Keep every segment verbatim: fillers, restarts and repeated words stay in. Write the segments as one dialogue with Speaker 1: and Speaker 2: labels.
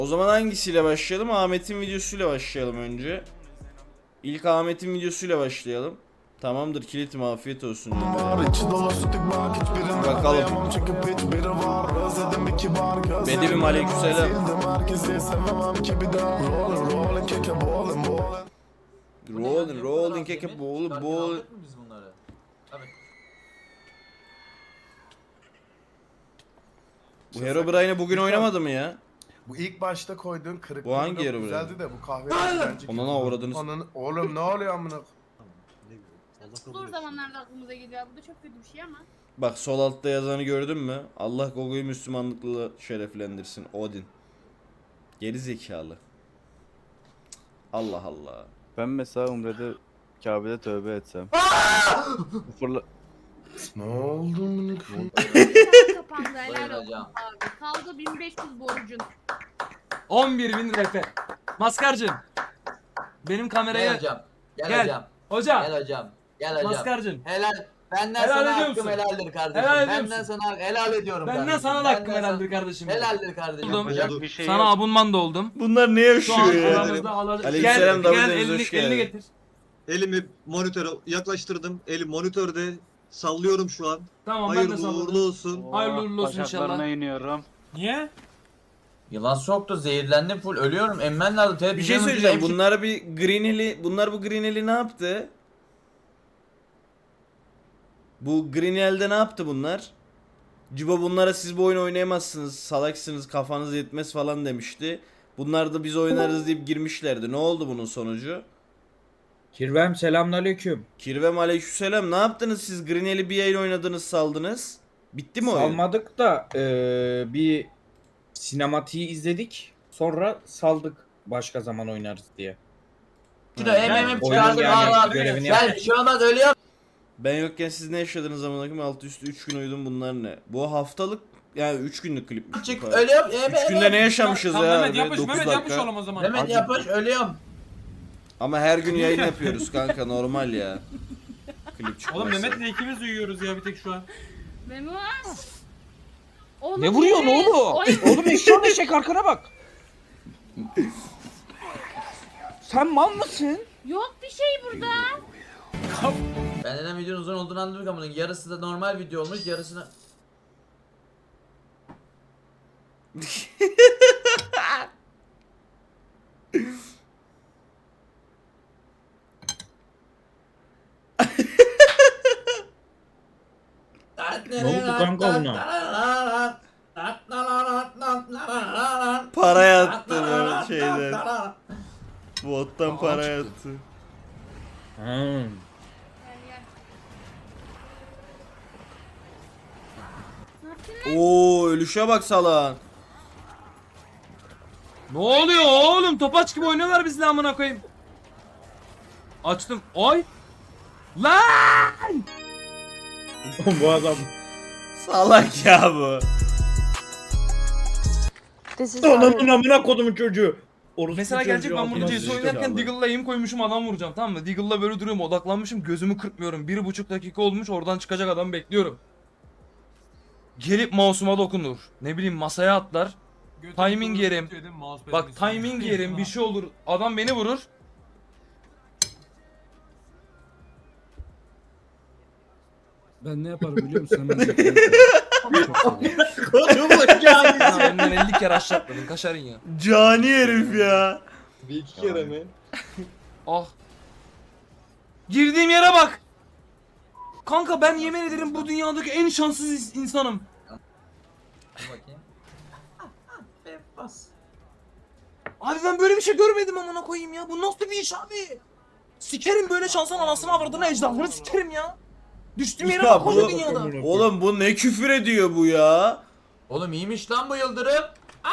Speaker 1: O zaman hangisiyle başlayalım? Ahmet'in videosuyla başlayalım önce. İlk Ahmet'in videosuyla başlayalım. Tamamdır kilitim, afiyet olsun. Bakalım. Bedevim aleykümselam. Rolling, rolling, keke bolu, bol.
Speaker 2: Biz bunları. Tabii.
Speaker 1: Bu Herobrine'e bugün oynamadı mı ya?
Speaker 3: Bu ilk başta koyduğun kırık
Speaker 1: Bu hangi
Speaker 3: blok
Speaker 1: yarı
Speaker 3: güzeldi
Speaker 1: böyle?
Speaker 3: de bu kahve bence.
Speaker 1: Ondan avradınız.
Speaker 3: Ananı- Oğlum ne oluyor amına?
Speaker 4: Zor zamanlarda aklımıza geliyor. Bu da çok kötü bir şey ama.
Speaker 1: Bak sol altta yazanı gördün mü? Allah Gogo'yu Müslümanlıkla şereflendirsin. Odin. Geri zekalı. Allah Allah.
Speaker 5: Ben mesela Umre'de Kabe'de tövbe etsem. Fırla...
Speaker 3: Ne oldu amına?
Speaker 4: Kapandı helal olsun
Speaker 2: Bayılacağım.
Speaker 4: abi. Kaldı bin beş yüz borcun.
Speaker 6: on bir bin R P. Maskarcığım. Benim
Speaker 2: Gel
Speaker 6: kameraya...
Speaker 2: hocam. Gel,
Speaker 6: Gel.
Speaker 2: hocam.
Speaker 6: Hocam.
Speaker 2: Gel hocam. Gel hocam.
Speaker 6: Maskarcığım.
Speaker 2: Helal. Benden
Speaker 6: Helal
Speaker 2: sana
Speaker 6: ediyor
Speaker 2: hakkım
Speaker 6: musun?
Speaker 2: helaldir kardeşim.
Speaker 6: Helal ediyor
Speaker 2: Benden
Speaker 6: musun?
Speaker 2: sana helal ediyorum
Speaker 6: Benden
Speaker 2: kardeşim.
Speaker 6: sana da hakkım
Speaker 2: Benden
Speaker 6: helaldir
Speaker 2: sana-
Speaker 6: kardeşim.
Speaker 2: Helaldir kardeşim.
Speaker 6: Oğlum,
Speaker 2: Hocam,
Speaker 5: bir şey
Speaker 6: Sana
Speaker 5: yok.
Speaker 6: abunman da oldum.
Speaker 1: Bunlar ne
Speaker 6: Şu an
Speaker 1: yaşıyor ya?
Speaker 6: aramızda alacak.
Speaker 1: Aleykümselam,
Speaker 6: Gel,
Speaker 1: Davut
Speaker 6: gel
Speaker 1: Deniz,
Speaker 6: elini,
Speaker 1: hoş
Speaker 6: elini
Speaker 1: geldin.
Speaker 6: getir.
Speaker 7: Elimi monitöre yaklaştırdım. Elim monitörde. Sallıyorum şu an.
Speaker 6: Tamam ben de
Speaker 7: Hayırlı
Speaker 6: salladım.
Speaker 7: uğurlu olsun.
Speaker 6: Hayırlı uğurlu olsun
Speaker 5: Bacaklarına
Speaker 6: inşallah.
Speaker 5: iniyorum.
Speaker 6: Niye?
Speaker 2: Yılan soktu, zehirlendim full, ölüyorum. Emmen lazım. Tele-
Speaker 1: Bir şey
Speaker 2: bizim
Speaker 1: söyleyeceğim.
Speaker 2: ülkede
Speaker 1: Bunlar bir Greenhill'i, bunlar bu Greenhill'i ne yaptı? Bu Greenhill'de ne yaptı bunlar? Cibo bunlara siz bu oyunu oynayamazsınız, salaksınız, kafanız yetmez falan demişti. Bunlar da biz oynarız deyip girmişlerdi. Ne oldu bunun sonucu?
Speaker 8: Kirvem selamünaleyküm.
Speaker 1: Kirvem aleykümselam. Ne yaptınız siz? Greenhill'i bir yayın oynadınız, saldınız. Bitti mi oyun?
Speaker 8: Salmadık da eee, bir sinematiği izledik. Sonra saldık başka zaman oynarız diye.
Speaker 2: Şurada em em em
Speaker 8: Oyunun
Speaker 2: çıkardım.
Speaker 8: yani
Speaker 2: Aa,
Speaker 8: görevini
Speaker 2: Gel
Speaker 8: yap.
Speaker 2: bir şey olmaz, ölüyorum.
Speaker 1: Ben yokken siz ne yaşadınız amına koyayım? Altı üstü üç gün uyudum, bunlar ne? Bu haftalık yani üç günlük klipmiş.
Speaker 2: Çık,
Speaker 1: bu kadar.
Speaker 2: ölüyorum. Em
Speaker 1: üç
Speaker 2: em
Speaker 1: günde ne
Speaker 2: em.
Speaker 1: yaşamışız
Speaker 6: Tamam
Speaker 1: ya?
Speaker 6: Mehmet
Speaker 1: Be,
Speaker 6: yapış,
Speaker 1: dokuz
Speaker 6: Mehmet
Speaker 1: dakika.
Speaker 6: yapış oğlum o zaman.
Speaker 2: Mehmet yapış, ölüyorum.
Speaker 1: Ama her gün yayın yapıyoruz kanka, normal ya. Klip çıkmazsa.
Speaker 6: Oğlum Mehmet'le ikimiz uyuyoruz ya bir tek şu an.
Speaker 4: Memo. Oğlum,
Speaker 8: Ne vuruyorsun
Speaker 4: evet.
Speaker 8: oğlum?
Speaker 4: Oy.
Speaker 8: Oğlum eşyan eşek arkana bak. Sen mal mısın?
Speaker 4: Yok bir şey burada.
Speaker 2: Ben neden videonun uzun olduğunu anladık ama bunun yarısı da normal video olmuş, yarısını...
Speaker 8: Ne oldu kanka buna?
Speaker 1: Para yattı böyle şeyden. Bottan para yattı.
Speaker 8: Ha.
Speaker 4: Gel, gel. Sakin ol.
Speaker 1: Oo, ölüşe bak salan.
Speaker 6: Ne oluyor oğlum? Topaç gibi oynuyorlar bizle amına koyayım. Açtım. Oy. Lan!
Speaker 8: Bu adam.
Speaker 1: Salak ya bu.
Speaker 8: Ananın amına kodumun çocuğu. Orospu
Speaker 6: Mesela gelecek
Speaker 8: çocuğu
Speaker 6: ben burada
Speaker 8: altına
Speaker 6: C S
Speaker 8: sıçtı.
Speaker 6: oynarken Deagle'la aim koymuşum, adam vuracağım, tamam mı? Deagle'la böyle duruyorum, odaklanmışım, gözümü kırpmıyorum. Bir buçuk dakika olmuş, oradan çıkacak adamı bekliyorum. Gelip mouse'uma dokunur. Ne bileyim masaya atlar. Timing yerim. Bak timing yerim, bir şey olur. Adam beni vurur.
Speaker 9: Ben ne yaparım biliyor musun? Hemen
Speaker 6: Ya benden elli kere aşağıtladın, kaşarın ya.
Speaker 1: Cani herif ya.
Speaker 7: Bir iki kere mi?
Speaker 6: Ah. Girdiğim yere bak. Kanka ben yemin ederim bu dünyadaki en şanssız ins- insanım.
Speaker 2: Dur bakayım. Bas.
Speaker 6: Abi ben böyle bir şey görmedim amına koyayım ya. Bu nasıl bir iş abi? Sikerim böyle şansın anasını avradını ecdadını sikerim ya. Düştüğüm yere
Speaker 1: Ya
Speaker 6: bak koca
Speaker 1: bu-
Speaker 6: dünyada.
Speaker 1: Oğlum bu ne küfür ediyor bu ya?
Speaker 2: Oğlum iyiymiş lan bu yıldırım.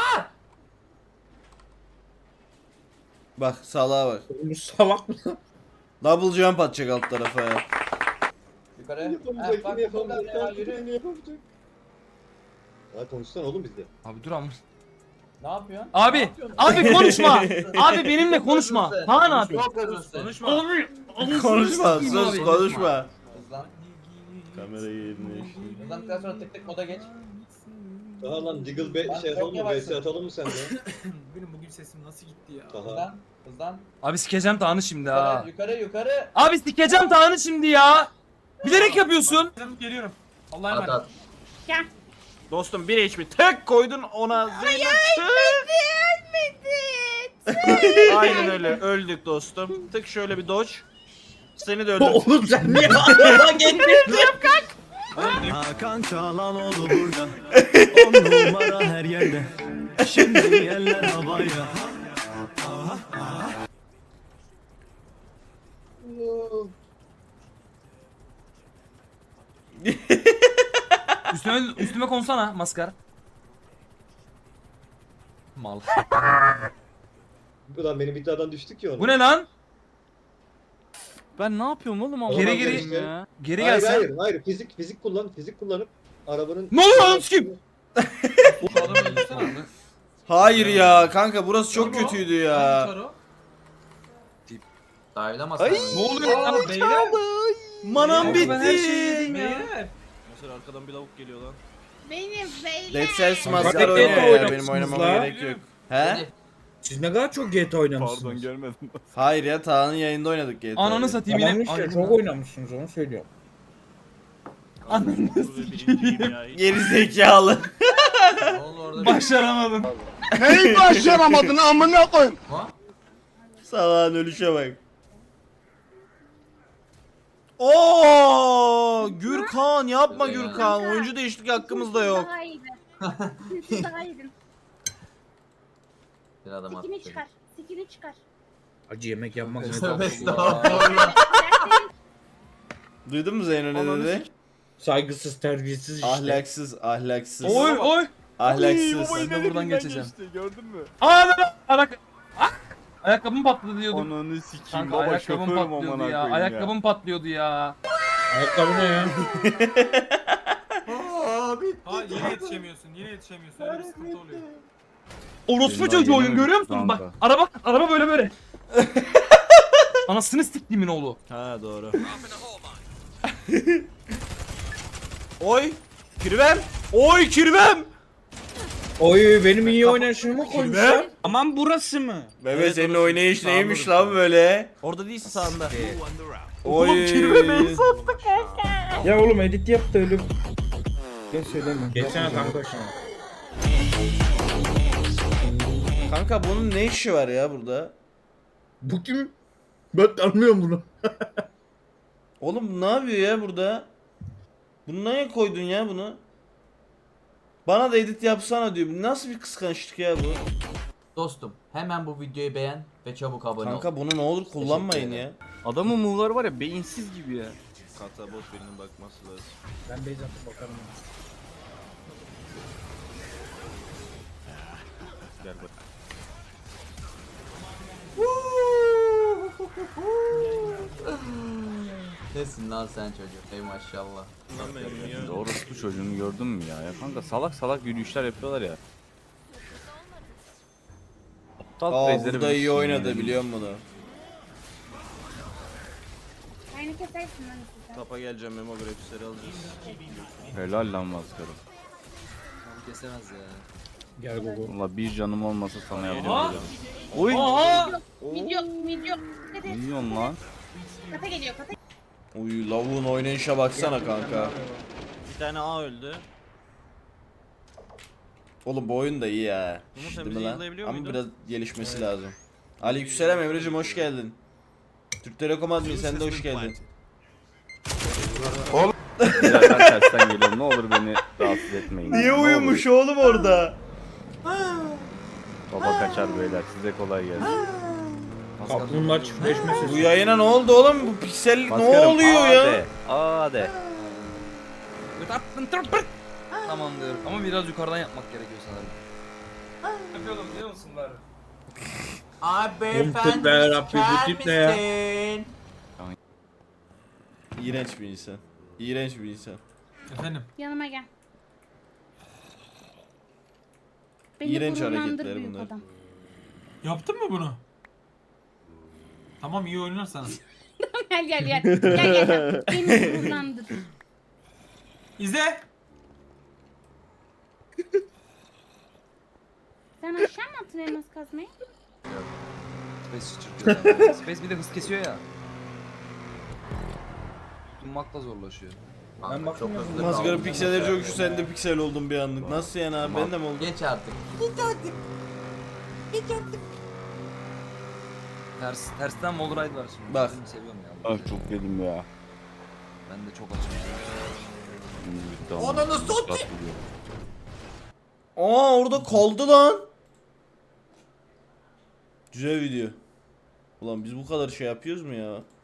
Speaker 1: Bak salağa bak.
Speaker 8: Bu salak mı?
Speaker 1: Double jump atacak alt tarafa ya.
Speaker 2: Yukarı.
Speaker 7: Yapamayacak,
Speaker 2: bak,
Speaker 7: yine yapamayacak,
Speaker 2: buradan ya,
Speaker 7: yapamayacak,
Speaker 2: yürü.
Speaker 7: yine yapamayacak. Ya konuşsana oğlum bizde.
Speaker 6: Abi dur ama.
Speaker 2: Ne yapıyorsun?
Speaker 6: Abi,
Speaker 2: Ne yapıyorsun?
Speaker 6: abi konuşma. Abi benimle konuşma.
Speaker 2: Hızlısın.
Speaker 6: Kaan abi.
Speaker 2: Çok hızlısın.
Speaker 6: Abi.
Speaker 1: Konuşma,
Speaker 6: Abi.
Speaker 1: sus konuşma.
Speaker 2: Hızlan.
Speaker 1: Kamerayı yerine işte.
Speaker 2: Hızlandıktan sonra tık tık moda geç.
Speaker 7: Daha lan Diggle be
Speaker 2: Lan
Speaker 7: şey
Speaker 2: çok
Speaker 7: yapalım mı?
Speaker 2: yavaşsın.
Speaker 7: V S atalım mı sende?
Speaker 9: Benim bugün sesim nasıl gitti ya?
Speaker 7: Daha.
Speaker 2: Hızlan. Hızlan.
Speaker 6: Abi sikeceğim Tağını şimdi ha.
Speaker 2: Yukarı yukarı yukarı.
Speaker 6: Abi sikeceğim Tağını şimdi ya. Bilerek yapıyorsun.
Speaker 9: Geliyorum. Allah'a
Speaker 2: At
Speaker 9: emanet.
Speaker 2: at.
Speaker 4: Gel.
Speaker 1: Dostum bir H P tek koydun ona Zeynep Aynen öyle öldük dostum. Tık şöyle bir dodge. Seni de öldür.
Speaker 8: Oğlum sen niye ağlama getirdin?
Speaker 10: Hakan Çalhanoğlu burada. On numara her yerde. Şimdi eller havaya.
Speaker 6: Üstüme üstüme konsana maskar. Mal.
Speaker 7: Ulan benim iddiadan düştük ya ona.
Speaker 6: Bu ne lan?
Speaker 5: Ben ne yapıyorum oğlum Allah
Speaker 6: Geri
Speaker 7: Olmaz
Speaker 6: geri-
Speaker 7: işte.
Speaker 5: ya.
Speaker 6: Geri
Speaker 7: Hayır
Speaker 6: gelsen.
Speaker 7: hayır hayır fizik fizik kullan fizik kullanıp arabanın
Speaker 6: Ne oluyor lan kim?
Speaker 9: Bu adamı öldürsene abi.
Speaker 1: Hayır ya kanka burası çok kötüydü ya.
Speaker 2: Dive'lamazsın.
Speaker 1: Ay.
Speaker 6: Ne oluyor lan?
Speaker 9: Beyler.
Speaker 1: Manam
Speaker 6: Abi ben her şeyi
Speaker 1: bitti.
Speaker 6: yedim ya.
Speaker 9: Beyler.
Speaker 1: Mesela arkadan bir lavuk geliyor lan.
Speaker 4: Benim beyler.
Speaker 1: Dead Cells
Speaker 8: Kanka,
Speaker 1: maskar
Speaker 8: Dead
Speaker 1: oynuyor ya
Speaker 8: oynamışsınız
Speaker 1: benim oynamama
Speaker 8: la.
Speaker 1: gerek yok. He?
Speaker 8: Siz ne kadar çok G T A oynamışsınız.
Speaker 5: Pardon görmedim.
Speaker 1: Hayır ya Tağ'ın yayında oynadık G T A'yı.
Speaker 6: Ananı satayım
Speaker 8: Tamam
Speaker 6: yine.
Speaker 8: işte çok oynamışsınız onu söylüyorum.
Speaker 6: Ananı
Speaker 1: Geri zekalı.
Speaker 2: Ne oldu orada?
Speaker 6: Başaramadım.
Speaker 3: Neyi başaramadın amına koyayım?
Speaker 2: Ha?
Speaker 1: Salağın ölüşe bak. Oo, Gürkan yapma
Speaker 2: Evet.
Speaker 1: Gürkan. Oyuncu değişiklik hakkımız da yok.
Speaker 4: Daha iyiydi. Siz daha iyiydin.
Speaker 2: Bir adam attı.
Speaker 4: Sikini çıkar. Sikini çıkar.
Speaker 8: Acı yemek yapmak ne
Speaker 2: Tövbe
Speaker 8: tatlı.
Speaker 2: estağfurullah.
Speaker 1: Duydun mu Zeyno ne
Speaker 5: Ananı
Speaker 1: dedi?
Speaker 8: Saygısız terbiyesiz işte.
Speaker 1: Ahlaksız, ahlaksız.
Speaker 6: Oy oy.
Speaker 1: Ahlaksız.
Speaker 6: Ben de buradan geçeceğim.
Speaker 5: Gördün mü?
Speaker 6: Aa lan ayak. Ah! Ayakkabım patladı diyordum.
Speaker 5: Ananı sikeyim
Speaker 6: Kanka
Speaker 5: baba
Speaker 6: ayakkabım
Speaker 5: şoförüm
Speaker 6: patlıyordu
Speaker 5: amına
Speaker 6: ya.
Speaker 5: koyayım
Speaker 6: Ayakkabım patlıyordu ya.
Speaker 8: Ayakkabı ne ya?
Speaker 9: Ha yine yetişemiyorsun. Yine yetişemiyorsun. Öyle bir sıkıntı oluyor.
Speaker 6: Orospu
Speaker 5: Senin
Speaker 6: çocuğu
Speaker 5: daha
Speaker 6: oyun
Speaker 5: yeni
Speaker 6: görüyor
Speaker 5: mi?
Speaker 6: musun? Bak
Speaker 5: Kanka.
Speaker 6: araba araba böyle böyle. Anasını siktiğimin oğlu.
Speaker 1: Ha doğru. Oy! Kirvem! Oy kirvem!
Speaker 8: Oy benim iyi oynayışımı koymuşlar. Aman burası mı?
Speaker 1: Bebe senin oynayış neymiş lan böyle? Orada değilsin sağında. Oy!
Speaker 8: Ya oğlum edit yap da öyle. Gel söyleme. Geçsene kanka şuna.
Speaker 1: Kanka bunun ne işi var ya burada?
Speaker 8: Bu kim? Ben tanımıyorum bunu.
Speaker 1: Oğlum bu ne yapıyor ya burada? Bunu neye koydun ya bunu? Bana da edit yapsana diyor. Bu nasıl bir kıskançlık ya bu?
Speaker 2: Dostum hemen bu videoyu beğen ve çabuk abone ol.
Speaker 1: Kanka bunu ne olur kullanmayın
Speaker 2: Teşekkür
Speaker 1: ya.
Speaker 5: Adamın move'ları var ya beyinsiz gibi ya.
Speaker 1: Kata bot birinin bakması lazım.
Speaker 8: Ben base atıp bakarım.
Speaker 1: Gel bak.
Speaker 2: Nesin lan sen çocuk? Ey maşallah.
Speaker 5: Orospu çocuğunu gördün mü ya? Ya kanka salak salak yürüyüşler yapıyorlar ya. Aptal
Speaker 1: Aa
Speaker 5: prezleri
Speaker 1: burada iyi
Speaker 5: bilirsin
Speaker 1: oynadı
Speaker 5: yani.
Speaker 1: biliyor musun bunu?
Speaker 4: Aynı kesersin lan size.
Speaker 1: Tapa geleceğim memo grafisleri alacağız.
Speaker 5: Helal lan maskara.
Speaker 2: Kesemez ya.
Speaker 8: Gel Gogo.
Speaker 5: Valla bir canım olmasa sana
Speaker 6: Aha.
Speaker 5: yapacağım. Oy!
Speaker 6: Aha!
Speaker 4: Video, video. Hadi.
Speaker 5: Ne diyorsun lan?
Speaker 4: Kata geliyor, kata.
Speaker 1: Uy lavuğun oynayışa baksana kanka. Bir tane A öldü. Oğlum bu oyun da iyi ya. Değil mi lan? Ama biraz gelişmesi lazım. Aleykümselam Emre'cim hoş geldin. Türk Telekom admin sen de hoş geldin.
Speaker 5: Ya ben tersten geliyorum ne olur beni rahatsız etmeyin. ya,
Speaker 1: Niye
Speaker 5: ne olur.
Speaker 1: uyumuş oğlum orada?
Speaker 5: Baba kaçar beyler size kolay gelsin.
Speaker 8: Kaplumbağalar çiftleşme
Speaker 1: Bu
Speaker 8: sesi.
Speaker 1: yayına ne oldu oğlum? Bu piksel ne
Speaker 5: Maskarım,
Speaker 1: oluyor
Speaker 5: A
Speaker 1: ya?
Speaker 5: de, A de.
Speaker 6: Tamam diyorum ama biraz yukarıdan yapmak gerekiyor sanırım. Yapıyordum biliyor musun bari?
Speaker 2: Abi
Speaker 8: tip
Speaker 2: beyefendi
Speaker 8: ne Rabbi, bu tip ne ya?
Speaker 2: misin?
Speaker 1: İğrenç bir insan. İğrenç bir insan.
Speaker 9: Efendim.
Speaker 4: Yanıma gel. Beni
Speaker 1: İğrenç
Speaker 4: gururlandır
Speaker 1: hareketler
Speaker 4: büyük
Speaker 1: bunlar.
Speaker 4: adam.
Speaker 9: Yaptın mı bunu? Tamam iyi oynarsan.
Speaker 4: Gel gel gel. Gel gel gel. Beni gururlandır.
Speaker 9: İzle.
Speaker 4: Sen aşağı mı attın elmas kazmayı?
Speaker 6: Space çırpıyor. yani. Space bir de hız kesiyor ya. Tutunmak da zorlaşıyor.
Speaker 2: Kanka,
Speaker 8: Ben bakmıyorum.
Speaker 2: çok hızlı
Speaker 1: Maskara
Speaker 2: kaldım.
Speaker 1: pikselleri çok güçlü, sen de piksel oldun bir anlık. Nasıl yani abi, ben de mi oldum?
Speaker 2: Geç artık.
Speaker 6: Ters, tersten Wallride var şimdi.
Speaker 1: Bak.
Speaker 6: Ben seviyorum ya.
Speaker 5: Ah çok yedim ya.
Speaker 6: Ben de çok açım.
Speaker 5: Şimdi bitti ama.
Speaker 2: Ananı satayım.
Speaker 1: Aa orada kaldı lan. Güzel video. Ulan biz bu kadar şey yapıyoruz mu ya?